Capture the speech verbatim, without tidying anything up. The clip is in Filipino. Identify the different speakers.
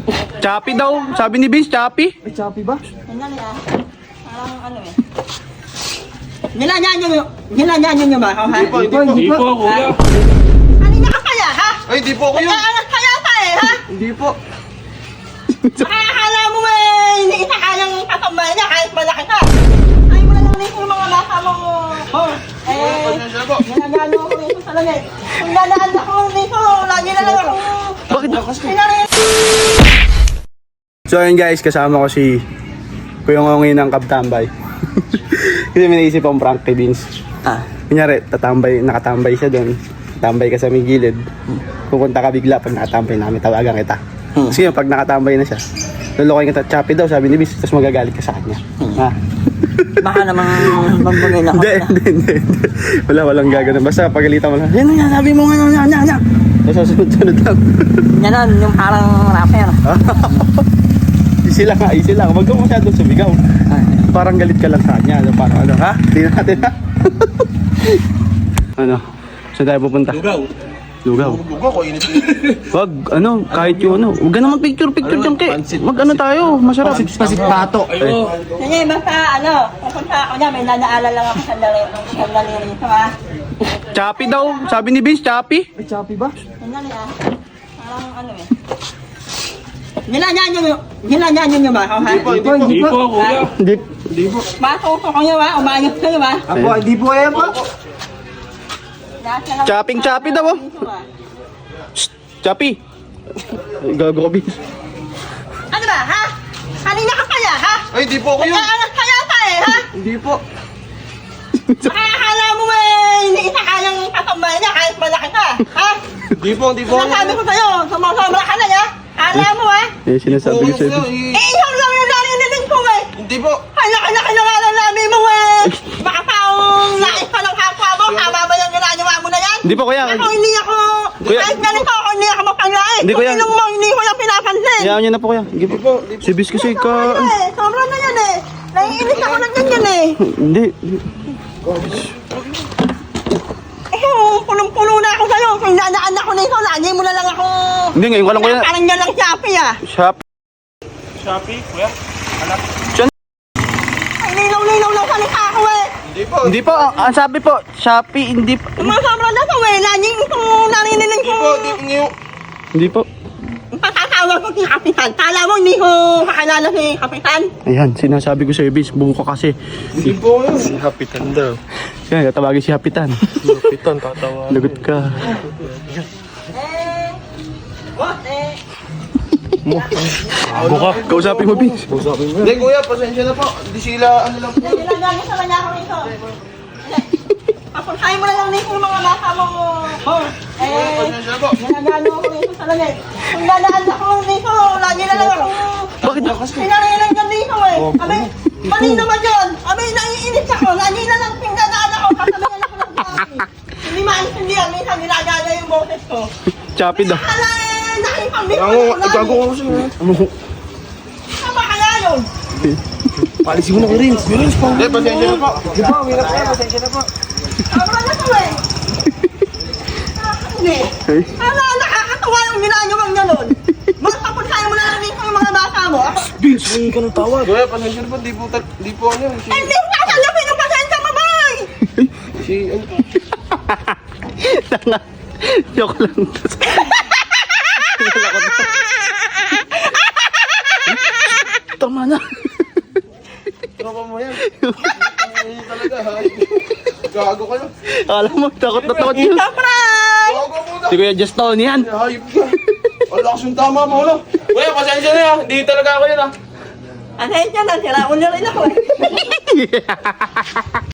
Speaker 1: Choppy daw. Sabi ni Vince, choppy.
Speaker 2: Ay, choppy ba?
Speaker 3: Ano na yan? Parang ano eh. Nilanyan nyo yung... Nilanyan nyo ba ako, ha?
Speaker 2: Hindi po, hindi po.
Speaker 4: Hindi po, kuya.
Speaker 3: Kanina ka kaya, ha?
Speaker 2: Ay, hindi po ako
Speaker 3: Kaya
Speaker 2: yun.
Speaker 3: anak kaya pa eh, ha?
Speaker 2: Hindi po.
Speaker 3: Akala mo eh, hindi kita kayang katambay niya kahit malaki ka. Ay mo na lang rin yung mga bata mo. Oh, eh,
Speaker 2: Pasensya na po.
Speaker 3: ginagano ako rito sa langit. Kung dadaan ako dito, lagi na lang ako.
Speaker 1: Bakit?
Speaker 3: Pinarin.
Speaker 1: So ayun guys, kasama ko si Kuya Ngongi ng Kabtambay. Kasi may naisip akong prank kay Vince.
Speaker 3: Ah.
Speaker 1: Kunyari, tatambay, nakatambay siya doon. Tambay ka sa may gilid. Pupunta ka bigla pag nakatambay namin, tawagan kita.
Speaker 3: Hmm.
Speaker 1: Kasi yun, pag nakatambay na siya, lulukoy kita, choppy daw, sabi ni Vince, tapos magagalit ka sa kanya. Ha?
Speaker 3: Baka namang magbagay na ako.
Speaker 1: Hindi, hindi, hindi, hindi. Wala, walang gagawin. Basta pagalitan mo lang, yan na, sabi mo nga, yan, yan, yan. Tapos sunod-sunod lang.
Speaker 3: Yan yung parang rapper.
Speaker 1: Easy lang ha, easy lang. Huwag kang masyadong sumigaw. Parang galit ka lang sa kanya. Ano, parang ano, ha? Tingnan natin ha. Ano? Saan tayo pupunta?
Speaker 4: Lugaw.
Speaker 1: Lugaw.
Speaker 2: Lugaw ko, init.
Speaker 1: Wag, ano, kahit yung ano. Huwag ka naman picture-picture dyan, ke. Mag ano tayo, masarap.
Speaker 2: Pasit pato.
Speaker 4: Ayo.
Speaker 3: Sige, basta ano, pupunta ako niya, may nadaalan lang ako sandali, sandali rito, ha?
Speaker 1: Choppy daw, sabi ni Vince, choppy.
Speaker 2: Ay, choppy ba?
Speaker 3: Sandali, ah. Parang ano eh. Nilanyan nyo yung... Nilanyan nyo ba ako, ha?
Speaker 2: Hindi po, hindi po.
Speaker 4: Hindi po, kuya.
Speaker 1: Hindi.
Speaker 2: Hindi po.
Speaker 3: Matuto ko nyo, ha? Umayos kayo, ha?
Speaker 2: Ako, hindi po yan po.
Speaker 1: Chopping choppy daw, oh. Choppy. Ay, gago ka, Vince.
Speaker 3: Ano ba, ha? Kanina ka kaya, ha?
Speaker 2: Ay, hindi po ako
Speaker 3: Kaya
Speaker 2: yun.
Speaker 3: anak kaya pa eh, ha?
Speaker 2: Hindi po.
Speaker 3: Akala mo eh, hindi kita kayang katambay niya kahit malaki ka, ha?
Speaker 2: Hindi po, hindi po.
Speaker 3: Sinasabi ko sa'yo, sumasama ka na niya. Alam mo, ha?
Speaker 1: Eh, sinasabi ko sa'yo.
Speaker 3: Eh, ikaw lang yung narinig ko, eh.
Speaker 2: Hindi po.
Speaker 3: Ay, laki-laki na nga lang namin mo, eh. Baka taong nais ka ng kapwa mo, tama ba yung ginagawa mo na yan?
Speaker 1: Hindi po, kuya.
Speaker 3: Ako hindi ako,
Speaker 1: Kuya.
Speaker 3: kahit ganito ako, hindi ako mapanglait.
Speaker 1: Hindi,
Speaker 3: Kung
Speaker 1: kuya.
Speaker 3: sinong mo, hindi ko lang pinapansin.
Speaker 1: Hayaan niyo na po, kuya. Sige po. Si Vince kasi ka...
Speaker 3: Sobra na eh, sobra na yan eh. Naiinis ako ng ganyan eh.
Speaker 1: Hindi.
Speaker 3: Eh, punong-puno na ako sa'yo. Kung dadaan ako nito, lagi mo na lang ako...
Speaker 1: Hindi, ngayon ko lang, kuya.
Speaker 3: Parang yan lang Shopee ah.
Speaker 1: Shop.
Speaker 4: Shopee, kuya.
Speaker 3: Ay, linaw-linaw lang salita ako eh.
Speaker 2: Hindi po.
Speaker 1: Hindi po, ang ang sabi po, Shopee, hindi po.
Speaker 3: Sumasobra na to eh. Laging itong narinig
Speaker 2: Hindi
Speaker 3: ko.
Speaker 2: po, hindi po ngayon.
Speaker 1: Hindi po.
Speaker 3: Patatawag ko si Kapitan. Kala mo hindi ko kakilala si Kapitan?
Speaker 1: Ayan, sinasabi ko sa Vince, buko ka kasi.
Speaker 2: Hindi po ngayon.
Speaker 4: Si Hapitan daw.
Speaker 1: Kaya tatawagin si Hapitan.
Speaker 4: Hapitan, tatawa.
Speaker 1: Lagot ka.
Speaker 3: Eh, what eh?
Speaker 4: Buka.
Speaker 1: Kausapin mo, Vince.
Speaker 2: Hindi kuya, pasensya na po. Hindi sila, ano lang po.
Speaker 3: Nilagyan sa kanya ako nito. Papuntahin mo na lang dito yung mga bata mo. Eh,
Speaker 2: Pasensya na po.
Speaker 3: ginagano ako dito sa langit. Kung dadaan ako dito, lagi na lang ako.
Speaker 1: Bakit?
Speaker 3: Pinarilan ka dito eh. Abi, mali naman yun. Abi, naiinit ako. Lagi na lang pinadaan ako. Kasabihan ako ng dati. Hindi maintindihan. Minsan ginagana yung boses ko.
Speaker 1: Choppy daw.
Speaker 3: Kala eh, nakipambing
Speaker 2: Gago, gago ko kasi.
Speaker 3: Tama kaya yun.
Speaker 2: Palisin mo na ko rin. Hindi, pasensya na po. Hindi po, hirap na. Pasensya na po.
Speaker 3: Tama na to eh. Hindi. Ala, nakakatawa yung ginagawang gano'n. Magpapuntahin mo na lang dito yung mga bata mo.
Speaker 2: Vince, hindi ka nang tawag. Kuya, pasensya na po. Di po, ta- di po ano. Si,
Speaker 3: Eh, hindi ko sasalapin yung pasensya mo, boy!
Speaker 2: si, ano po.
Speaker 1: Tanga. Joke lang. Tama na.
Speaker 2: Tropa mo yan. Ay, talaga, hay. Gago kayo.
Speaker 1: Alam mo, takot na takot yun.
Speaker 3: Ito, Fry!
Speaker 2: Gago mo na.
Speaker 1: Si Kuya Juston yan.
Speaker 2: Hayop ka. Wala kasing tama mo, no? Kuya, pasensya na yan. Hindi talaga ako yun, ah.
Speaker 3: Pasensya na, sila ulo rin ako eh.